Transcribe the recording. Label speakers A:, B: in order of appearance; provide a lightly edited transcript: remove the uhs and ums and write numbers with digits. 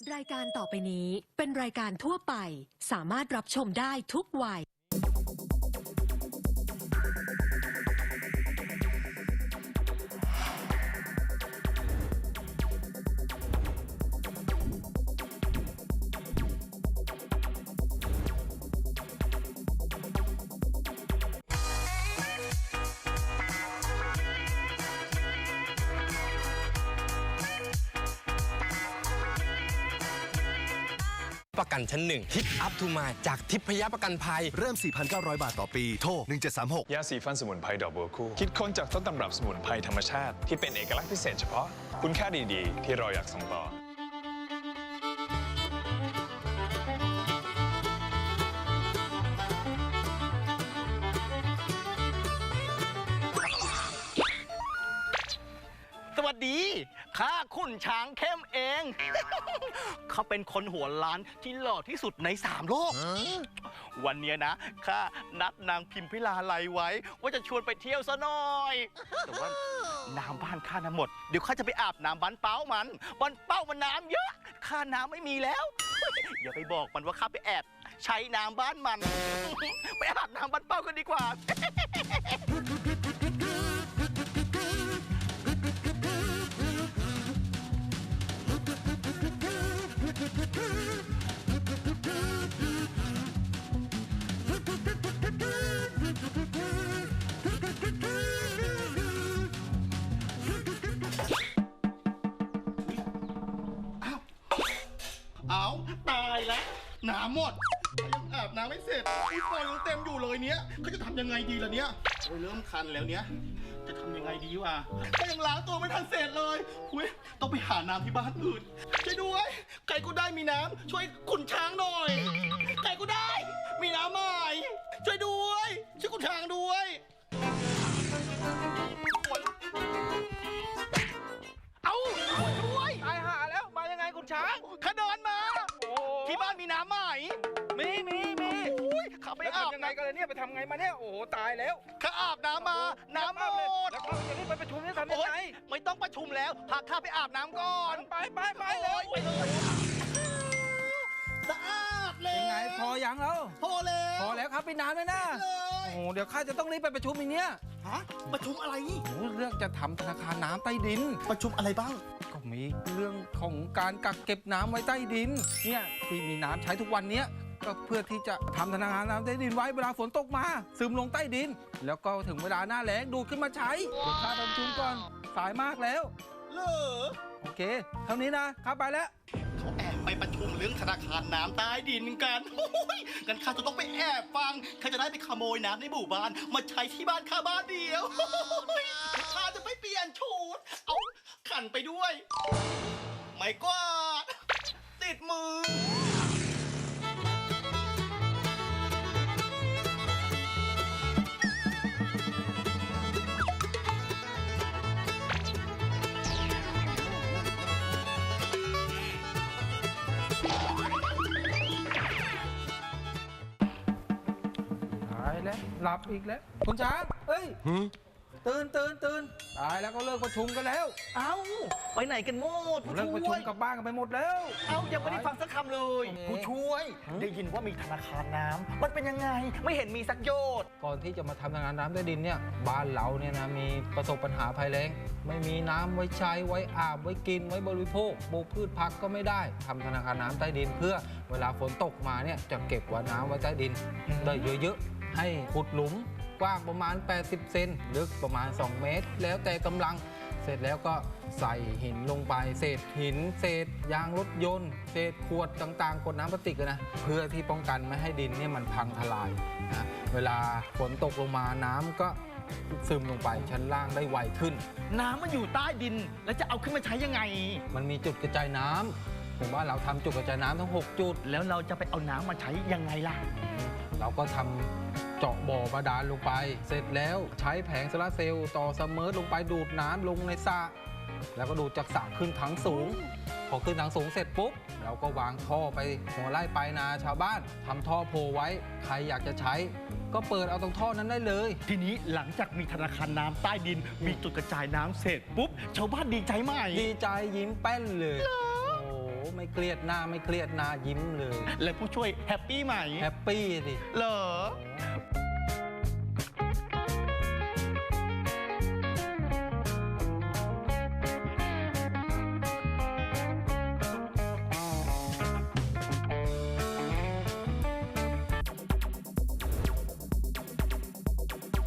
A: รายการต่อไปนี้เป็นรายการทั่วไปสามารถรับชมได้ทุกวัย
B: ประกันชั้นหนึ่งทิปอัพทูมาจากทิพยประกันภัย
C: เริ่ม 4,900 บาทต่อปี โทร 1736
D: ยาสีฟันสมุนไพรดอกบัวคู่คิดค้นจากต้นตำรับสมุนไพรธรรมชาติที่เป็นเอกลักษณ์พิเศษเฉพาะคุณค่าดีๆ ที่เราอยากส่งต่อ
E: สวัสดีข้าขุนช้างเข้มเอง เขาเป็นคนหัวล้านที่หล่อที่สุดใน3 โลก วันนี้นะข้านัดนางพิมพิลาไลไว้ ว่าจะชวนไปเที่ยวซะหน่อย แต่ว่าน้ำบ้านข้าน้ำหมด เดี๋ยวข้าจะไปอาบน้ำบ้านเป้ามันน้ำเยอะข้าน้ำไม่มีแล้ว อย่าไปบอกมันว่าข้าไปแอบใช้น้ำบ้านมัน ไปอาบน้ำบ้านเป้ากันดีกว่า เอาตายแล้วน้ำหมดยังอาบน้ำไม่เสร็จอุ้ยฟอยยังเต็มอยู่เลยเนี้ยเขาจะทำยังไงดีล่ะเนี้ยโอ้ยเริ่มคันแล้วเนี้ยจะทำยังไงดีวะก็ยังล้างตัวไม่ทันเสร็จเลยอุ้ยต้องไปหาน้ำที่บ้านอื่นช่วยด้วยใครก็ได้มีน้ำช่วยขุนช้างหน่อยใครก็ได้มีน้ำใหม่ช่วยด้วยช่วยขุนช้างด้วยเอาช่วยตายหาแล้วมายังไงขุนช้างข้าเดินมาที่บ้านมีน้ำใหม่มีข้าไปอาบยังไงกันเลยเนี่ยไปทำไงมาเนี่ยโอ้โหตายแล้วข้าอาบน้ำมาน้ำหมดแล้วเขาจะรีบไปประชุมจะทำยังไงไม่ต้องประชุมแล้วพาข้าไปอาบน้ำก่อนไปเลยสะอาดเลย
F: ยังไงพอยังแล้ว
E: พอแล้ว
F: ครับไปนานเลยนะโอ้เดี๋ยวข้าจะต้องรีบไปประชุมอีกเนี้ย
E: ฮะประชุมอะไร
F: โอ้เรื่องจะทำธนาคารน้ำใต้ดิน
E: ประชุมอะไรบ้าง
F: ก็มีเรื่องของการกักเก็บน้ำไว้ใต้ดินเนี่ยที่มีน้ำใช้ทุกวันเนี้ยก็เพื่อที่จะทำธนาคารน้ำใต้ดินไว้เวลาฝนตกมาซึมลงใต้ดิน แล้วก็ถึงเวลาหน้าแล้งดูดขึ้นมาใช้เดี๋ยวข้าประชุมก่อนสายมากแล้ว
E: เหรอ
F: โอเคเท่านี้นะข้าไปแล้ว
E: เขาแอบไปประชุมเรื่องธนาคารน้ำใต้ดินกันงั้นข้าจะต้องไปแอบฟังข้าจะได้ไปขโมยน้ำในหมู่บ้านมาใช้ที่บ้านข้าบ้านเดียวข้าจะไปเปลี่ยนชุดเอาขันไปด้วยไม้กวาดติดมือ
F: หลับอีกแล้วคุณช้างเอ้ยตื่นตายแล้วก็เลิกประชุมกันแล้ว
E: เอ้าไปไหนกันหมด
F: เลิกประชุมกลับบ้านกันไปหมดแล้ว
E: เอ้ายังไม่ได้ฟังสักคำเลยผู้ช่วยได้ยินว่ามีธนาคารน้ำมันเป็นยังไงไม่เห็นมีสักโยชน์
F: ก่อนที่จะมาทำธนาคารน้ำใต้ดินเนี่ยบ้านเราเนี่ยนะมีประสบปัญหาภัยแล้งไม่มีน้ำไว้ใช้ไว้อาบไว้กินไว้บริโภคปลูกพืชผักก็ไม่ได้ทำธนาคารน้ำใต้ดินเพื่อเวลาฝนตกมาเนี่ยจะเก็บไว้น้ำไว้ใต้ดินได้เยอะๆให้ขุดหลุมกว้างประมาณ80 เซนลึกประมาณ2 เมตรแล้วแต่กำลังเสร็จแล้วก็ใส่หินลงไปเศษหินเศษยางรถยนต์เศษขวดต่างๆขวดน้ำพลาสติกนะเพื่อที่ป้องกันไม่ให้ดินเนี่ยมันพังทลายนะเวลาฝนตกลงมาน้ำก็ซึมลงไปชั้นล่างได้ไวขึ้น
E: น้ำมันอยู่ใต้ดินแล้วจะเอาขึ้นมาใช้ยังไง
F: มันมีจุดกระจายน้ำผมว่าเราทำจุดกระจายน้ำทั้ง6 จุด
E: แล้วเราจะไปเอาน้ำมาใช้ยังไงล่ะ
F: เราก็ทำเจาะบ่อบาดาลลงไปเสร็จแล้วใช้แผงโซลาร์เซลล์ต่อเสมอลงไปดูดน้ำลงในสระแล้วก็ดูดจากสระขึ้นถังสูงพอขึ้นถังสูงเสร็จปุ๊บเราก็วางท่อไปหัวไร่ปลายนาชาวบ้านทำท่อโพไว้ใครอยากจะใช้ก็เปิดเอาตรงท่อนั้นได้เลย
E: ทีนี้หลังจากมีธนาคารน้ำใต้ดินมีจุดกระจายน้ำเสร็จปุ๊บชาวบ้านดีใจไหม
F: ดีใจยิ้มแป้นเลยโอ้ไม่เครียดหน้าไม่เครียดหน้ายิ้มเลย
E: และผู้ช่วยแฮปปี้ไหม
F: แฮปปี้ดิ
E: เหรอ
F: โอ้